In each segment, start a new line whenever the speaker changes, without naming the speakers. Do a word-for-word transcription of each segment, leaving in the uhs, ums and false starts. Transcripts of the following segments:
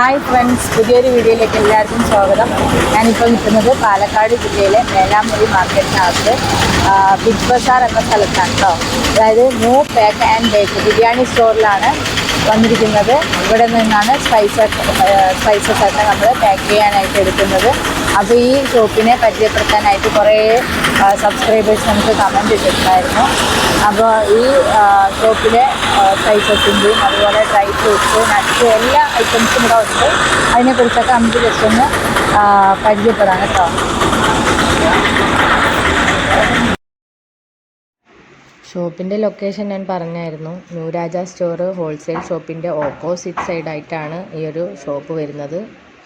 Hi friends, പുതിയൊരു വീഡിയോയിലേക്ക് എല്ലാവർക്കും സ്വാഗതം. ഞാനിപ്പോൾ നിൽക്കുന്നത് പാലക്കാട് ജില്ലയിലെ മേലാമുറി മാർക്കറ്റിനകത്ത് ബിഗ് ബസാർ എന്ന സ്ഥലത്താണ് കേട്ടോ. അതായത് new pack and bake biryani സ്റ്റോറിലാണ് വന്നിരിക്കുന്നത്. ഇവിടെ നിന്നാണ് സ്പൈസസ് സ്പൈസസ് ഒക്കെ നമ്മൾ പാക്ക് ചെയ്യാനായിട്ട് എടുക്കുന്നത്. അപ്പോൾ ഈ ഷോപ്പിനെ പരിചയപ്പെടുത്താനായിട്ട് കുറേ സബ്സ്ക്രൈബേഴ്സ് നമുക്ക് കമൻറ്റ് ഇട്ടിട്ടുണ്ടായിരുന്നു. അപ്പോൾ ഈ ഷോപ്പിലെ സ്പൈസസിൻ്റെയും അതുപോലെ ഡ്രൈ ഫ്രൂട്ട്സ്, നട്ട്സ് എല്ലാ ഐറ്റംസും ഇവിടെ ഉണ്ട്. അതിനെക്കുറിച്ചൊക്കെ നമുക്ക് ജസ്റ്റ് ഒന്ന് പരിചയപ്പെടാം കേട്ടോ. ഷോപ്പിൻ്റെ ലൊക്കേഷൻ ഞാൻ പറഞ്ഞായിരുന്നു. ന്യൂ രാജ സ്റ്റോർ ഹോൾസെയിൽ ഷോപ്പിൻ്റെ ഓപ്പോസിറ്റ് സൈഡായിട്ടാണ് ഈ ഒരു ഷോപ്പ് വരുന്നത്.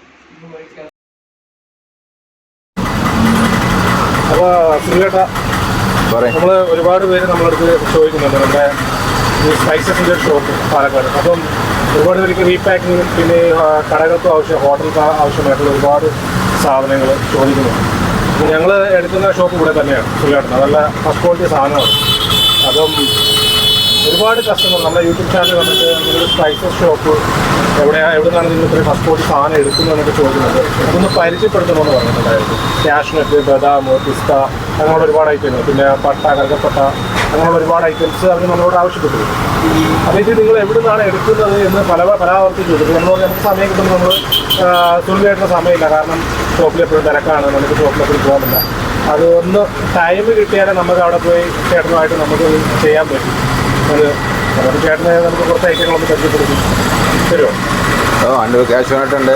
അപ്പോൾ സുനിലേട്ടാ, നമ്മൾ ഒരുപാട് പേര് നമ്മളടുത്ത് ചോദിക്കുന്നുണ്ട് നമ്മുടെ ഈ സ്പൈസസിൻ്റെ ഒരു ഷോപ്പ് പാലക്കാട്. അപ്പം ഒരുപാട് പേർക്ക് റീപാക്കിങ്ങും പിന്നെ കടകൾക്കും ആവശ്യം ഹോട്ടൽക്ക് ആവശ്യമായിട്ടുള്ള ഒരുപാട് സാധനങ്ങൾ ചോദിക്കുന്നുണ്ട്. ഞങ്ങൾ എടുക്കുന്ന ഷോപ്പ് ഇവിടെ തന്നെയാണ് സുനിലേട്ടൻ. നല്ല ഫസ്റ്റ് ക്വാളിറ്റി സാധനമാണ്. അപ്പം ഒരുപാട് കസ്റ്റമർ നമ്മുടെ യൂട്യൂബ് ചാനൽ വന്നിട്ട് നിങ്ങളുടെ സ്പൈസസ് ഷോപ്പ് എവിടെയാണ് എവിടെ നിന്നാണ് നിങ്ങൾ ഇത്രയും ഫസ്റ്റ് ക്വാളിറ്റി സാധനം എടുക്കുന്നതെന്നൊക്കെ ചോദിക്കുന്നുണ്ട്. അതൊന്ന് പരിചയപ്പെടുത്തണമെന്ന് പറഞ്ഞിട്ടുണ്ടായിരുന്നു. കാഷ്നട്ട്, ബദാം, പിസ്ത അങ്ങനെയുള്ള ഒരുപാട് ഐറ്റങ്ങൾ, പിന്നെ പട്ട, കറുകപ്പട്ട അങ്ങനെയുള്ള ഒരുപാട് ഐറ്റംസ് അവർ നമ്മളോട് ആവശ്യപ്പെട്ടു. അപ്പോൾ ഇത് നിങ്ങൾ എവിടെ നിന്നാണ് എടുക്കുന്നത് എന്ന് പല പരാവർത്തി ചോദിച്ചു. നമ്മൾ നമുക്ക് സമയം കിട്ടുമ്പോൾ നമ്മൾ തുള്ളിയായിട്ടുള്ള സമയമില്ല, കാരണം ഷോപ്പിൽ എപ്പോഴും തിരക്കാണ്, നമുക്ക് ഷോപ്പിലെപ്പോഴും പോകാനില്ല. അത് ഒന്ന് ടൈം കിട്ടിയാലേ നമുക്ക് അവിടെ പോയി ചേട്ടനുമായിട്ട് നമുക്ക് ചെയ്യാൻ പറ്റും. അത് നമുക്ക് ചേട്ടനെ നമുക്ക് കുറച്ച് ഐറ്റങ്ങളൊന്ന് പരിചയപ്പെടുത്തും തരുമോ?
ഓ ഉണ്ട്. കാഷ്യൂനട്ട് ഉണ്ട്.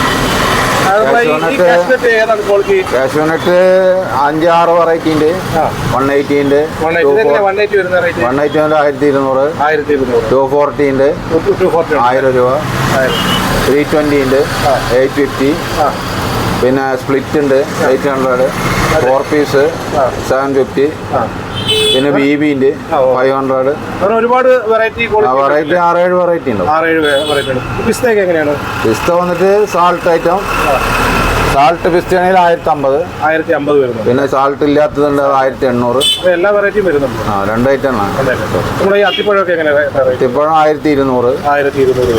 കാഷ്യൂനട്ട് അഞ്ച് ആറ് വെറൈറ്റി ഉണ്ട്. വൺ എയ്റ്റി ഉണ്ട്. വൺ എയ്റ്റി ഉണ്ട് ആയിരത്തി ഇരുന്നൂറ്. ടു ഫോർട്ടി ഉണ്ട് ആയിരം രൂപ. ത്രീ ട്വൻറ്റി ഉണ്ട് എയ്റ്റ് ഫിഫ്റ്റി. പിന്നെ സ്പ്ലിറ്റ് ഉണ്ട് eight hundred. Four piece seven fifty. പിന്നെ ബി ബി ഉണ്ട് ഫൈവ് ഹൺഡ്രഡ്.
ഒരുപാട് വെറൈറ്റി
വെറൈറ്റി ആറേഴ് വെറൈറ്റി ഉണ്ട്.
പിസ്തയൊക്കെ എങ്ങനെയാണ്?
പിസ്ത വന്നിട്ട് സാൾട്ട് ഐറ്റം. സാൾട്ട് പിസ്ത ആണെങ്കിൽ ആയിരത്തി അമ്പത്
ആയിരത്തി അമ്പത് വരുന്നു.
പിന്നെ സാൾട്ട് ഇല്ലാത്തതുണ്ട് ആയിരത്തി എണ്ണൂറ്.
എല്ലാ വെറൈറ്റിയും വരുന്നുണ്ട്.
ആ രണ്ട് ഐറ്റം ആണ്.
നമ്മുടെ ഈ അത്തിപ്പഴമൊക്കെ എങ്ങനെയാണ്?
അത്തിപ്പഴം ആയിരത്തി ഇരുന്നൂറ്.
ആയിരത്തി ഇരുന്നൂറ്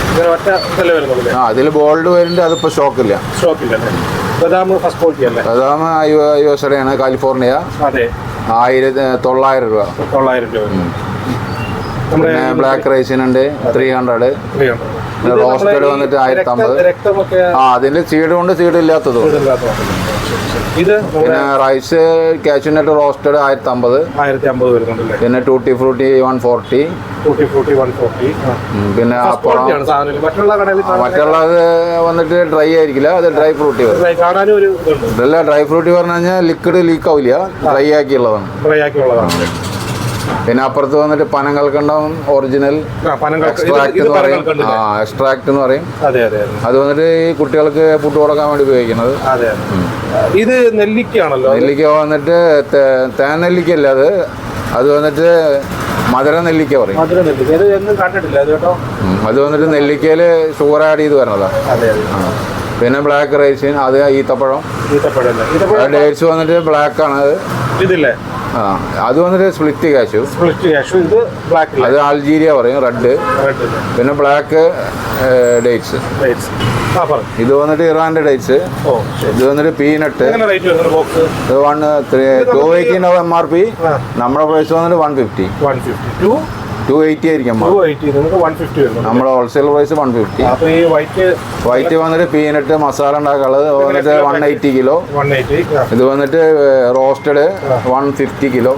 ആ അതിൽ ബോൾഡ് വരുന്നുണ്ട്. അതിപ്പോൾ സ്റ്റോക്കില്ല.
സ്റ്റോക്കില്ല. ബദാം ഫസ്റ്റ് ക്വാളിറ്റി അല്ലേ?
ബദാം യു എസ് എ ആണ്, കാലിഫോർണിയ.
അതെ.
ആയിരത്തി തൊള്ളായിരം രൂപ.
തൊള്ളായിരം രൂപ.
പിന്നെ ബ്ലാക്ക് റൈസിനുണ്ട് ത്രീ ഹൺഡ്രഡ്. റോസ്റ്റഡ് വന്നിട്ട് ആയിരത്തി അമ്പത്. ആ അതിന്റെ സീഡ് കൊണ്ട് സീഡ് ഇല്ലാത്തതും.
ഇത്
പിന്നെ റൈസ് കാഷ്യൂനട്ട് റോസ്റ്റഡ് ആയിരത്തി അമ്പത്.
ആയിരത്തി അമ്പത് വരുന്നുണ്ടല്ലേ?
പിന്നെ tutti frutti one forty.
Tutti frutti one forty.
പിന്നെ അപ്പുറം മറ്റുള്ളത് വന്നിട്ട് ഡ്രൈ ആയിരിക്കില്ല, അത് ഡ്രൈ ഫ്രൂട്ടി വരും. ഇതല്ല ഡ്രൈ ഫ്രൂട്ടി പറഞ്ഞു കഴിഞ്ഞാൽ ലിക്വിഡ് ലീക്ക് ആവില്ല, ഡ്രൈ ആക്കിയുള്ളതാണ്.
ഡ്രൈ ആക്കിയുള്ളതാണ്.
പിന്നെ അപ്പുറത്ത് വന്നിട്ട് പനങ്ങൾക്കുണ്ടാവും ഒറിജിനൽ എക്സ്ട്രാക്ട് എന്ന് പറയും. ആ എക്സ്ട്രാക്ട് എന്ന് പറയും. അത് വന്നിട്ട് ഈ കുട്ടികൾക്ക് ഫുഡ് കൊടുക്കാൻ വേണ്ടി ഉപയോഗിക്കുന്നത്.
ഇത് നെല്ലിക്കയാണല്ലോ.
നെല്ലിക്ക വന്നിട്ട് തേൻ നെല്ലിക്കല്ല, അത് അത് വന്നിട്ട് മധുര നെല്ലിക്ക പറയും. അത് വന്നിട്ട് നെല്ലിക്കയിൽ ഷുഗർ ആഡ് ചെയ്ത് വരണതാണ്. പിന്നെ ബ്ലാക്ക് റൈസിൻ, അത് ഈത്തപ്പഴം. ഡേറ്റ്സ് വന്നിട്ട് ബ്ലാക്ക് ആണ്. അത്
ഇതില്ലേ?
ആ അത് വന്നിട്ട് സ്പ്ലിറ്റ് കാശു.
സ്പ്ലിറ്റ് കാശു. ഇത് ബ്ലാക്ക്,
അത് അൾജീരിയ പറയും. റെഡ്. പിന്നെ ബ്ലാക്ക് ഡേറ്റ്സ്. ഇത് വന്നിട്ട് ഇറാന്റെ ഡേറ്റ്സ്. ഇത് വന്നിട്ട് പീനട്ട്. ഇത് വൺ ത്രീ ടു എയ്റ്റി ഉണ്ടാവും എം ആർ പി. നമ്മുടെ പ്രൈസ് വന്നിട്ട് വൺ ഫിഫ്റ്റി. ടു എയ്റ്റി ആയിരിക്കും. നമ്മുടെ wholesale price one fifty. White വന്നിട്ട് പീനട്ട് മസാല ഉണ്ടാക്കാനുള്ളത് വന്നിട്ട് വൺ എയ്റ്റി കിലോ. ഇത് വന്നിട്ട് റോസ്റ്റഡ് വൺ ഫിഫ്റ്റി കിലോ.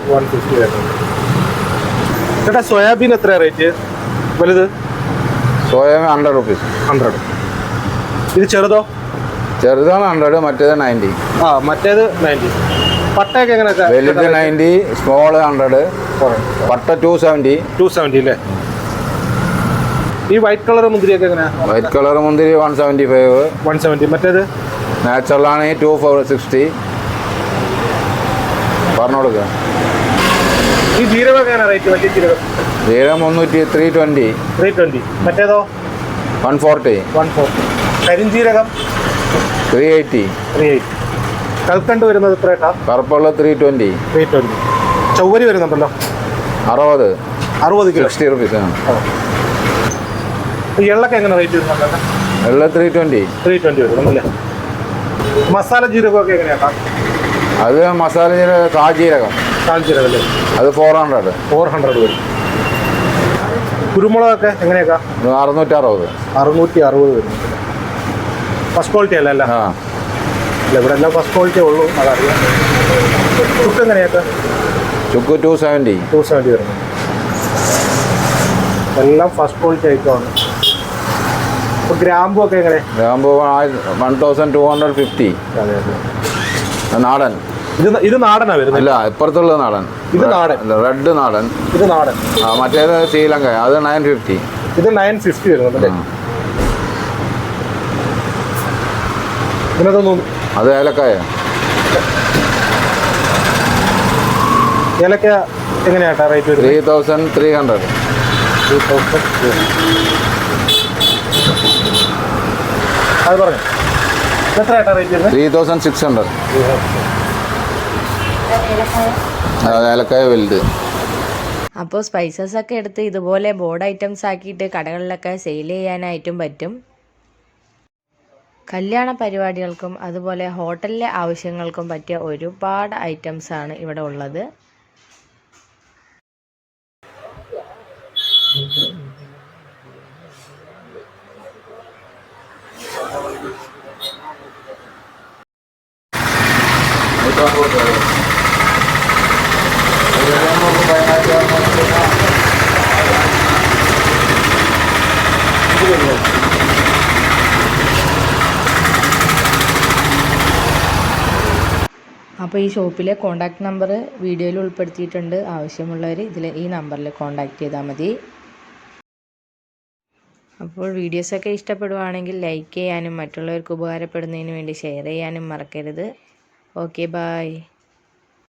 ചേട്ടാ സോയാബീൻ എത്ര റേറ്റ് വലുത്?
Soyabean hundred rupees.
ഹൺഡ്രഡ്. ഇത് ചെറുതോ?
ചെറുതാണ് ഹൺഡ്രഡ്, മറ്റേത് നയൻറ്റി.
ആ മറ്റേത് നയൻറ്റി. പട്ടയൊക്കെ എങ്ങനെ?
വലുത് നയൻറ്റി, സ്മോൾ ഹൺഡ്രഡ്. പട്ട ടു സെവൻറ്റി.
ടു സെവൻറ്റി അല്ലേ? ഈ വൈറ്റ് കളർ മുന്തിരിയൊക്കെ എങ്ങനെ?
വൈറ്റ് കളർ മുന്തിരി one seventy five.
One seventy. മറ്റേത്
നാച്ചുറലാണെങ്കിൽ ടു ഫോർ സിക്സ്റ്റി. പറഞ്ഞു കൊടുക്കുക.
ഈ ജീരകം എങ്ങനെ റേറ്റ്? വലിയ ജീരകം
ജീരകം മുന്നൂറ്റി ത്രീ ട്വൻറ്റി.
Three twenty. മറ്റേതോ?
One forty.
One forty. കരിഞ്ജീരകം
ത്രീ എയ്റ്റി.
Three eighty. കൽക്കണ്ട് വരുന്നത് എത്ര ഏട്ടാ?
കറുപ്പുള്ള ത്രീ ട്വൻറ്റി.
Three twenty. ചൗവരി വരുന്നുണ്ടല്ലോ
അറുപത്.
അറുപത് കിലോ.
സിക്സ്റ്റി റുപ്പീസ് ആണ്.
എള്ളൊക്കെ എങ്ങനെ റേറ്റ് വരുന്നുണ്ടല്ലോ?
എല്ലാം ത്രീ ട്വൻറ്റി
ത്രീ ട്വൻറ്റി വരും അല്ലേ? മസാല ജീരകമൊക്കെ എങ്ങനെയാട്ടാ?
അത് മസാല ജീരകം കാജീരകം
കാഞ്ചീരകം അല്ലേ?
അത് ഫോർ ഹൺഡ്രഡ്
ഫോർ ഹൺഡ്രഡ് വരും. കുരുമുളകൊക്കെ എങ്ങനെയൊക്കെ?
അറുന്നൂറ്റി അറുപത്
അറുന്നൂറ്റി അറുപത് വരും. ഫസ്റ്റ് ക്വാളിറ്റി അല്ല അല്ല?
ആ
അല്ല, ഇവിടെ എല്ലാം ഫസ്റ്റ് ക്വാളിറ്റി ഉള്ളൂ, അതറിയാം. ചുക്ക് എങ്ങനെയൊക്കെ?
ചുക്ക് ടു സെവൻറ്റി
ടു സെവൻറ്റി വരുന്നു. എല്ലാം ഫസ്റ്റ് ക്വാളിറ്റി ഐറ്റമാണ്. ഇപ്പോൾ ഗ്രാമ്പു ഒക്കെ എങ്ങനെ?
ഗ്രാമ്പു one thousand two hundred fifty.
അതെ അതെ.
നാടൻ.
ഇത് ഇത് നാടനാണ് വരുന്നത്?
അല്ല, ഇപ്പുറത്തുള്ള നാടൻ.
ഇത് നാടൻ.
റെഡ് നാടൻ.
ഇത് നാടൻ.
ആ മറ്റേത് ശ്രീലങ്ക, അത് നയൻ ഫിഫ്റ്റി.
ഇത് നയൻ ഫിഫ്റ്റി വരുന്നുണ്ടല്ലേ? ഇതിനകത്തൊന്നും
അത് ഏലക്കായ.
ഏലക്ക എങ്ങനെയാട്ടാ റേറ്റ് വരുന്നത്?
Three thousand three hundred.
Three thousand അത് പറഞ്ഞു. എത്ര ആയിട്ടാ റേറ്റ് വരുന്നത്?
Three thousand six hundred. അത് ഏലക്കായ വലുത്.
അപ്പോൾ സ്പൈസസ് ഒക്കെ എടുത്ത് ഇതുപോലെ ബോർഡ് ഐറ്റംസ് ആക്കിയിട്ട് കടകളിലൊക്കെ സെയിൽ ചെയ്യാനായിട്ടും പറ്റും. കല്യാണ പരിപാടികൾക്കും അതുപോലെ ഹോട്ടലിലെ ആവശ്യങ്ങൾക്കും പറ്റിയ ഒരുപാട് ഐറ്റംസ് ആണ് ഇവിടെ ഉള്ളത്. അപ്പോൾ ഈ ഷോപ്പിലെ കോൺടാക്റ്റ് നമ്പർ വീഡിയോയിൽ ഉൾപ്പെടുത്തിയിട്ടുണ്ട്. ആവശ്യമുള്ളവർ ഇതിൽ ഈ നമ്പറിൽ കോൺടാക്റ്റ് ചെയ്താൽ മതി. അപ്പോൾ വീഡിയോസൊക്കെ ഇഷ്ടപ്പെടുവാണെങ്കിൽ ലൈക്ക് ചെയ്യാനും മറ്റുള്ളവർക്ക് ഉപകാരപ്പെടുന്നതിന് വേണ്ടി ഷെയർ ചെയ്യാനും മറക്കരുത്. Okay, bye.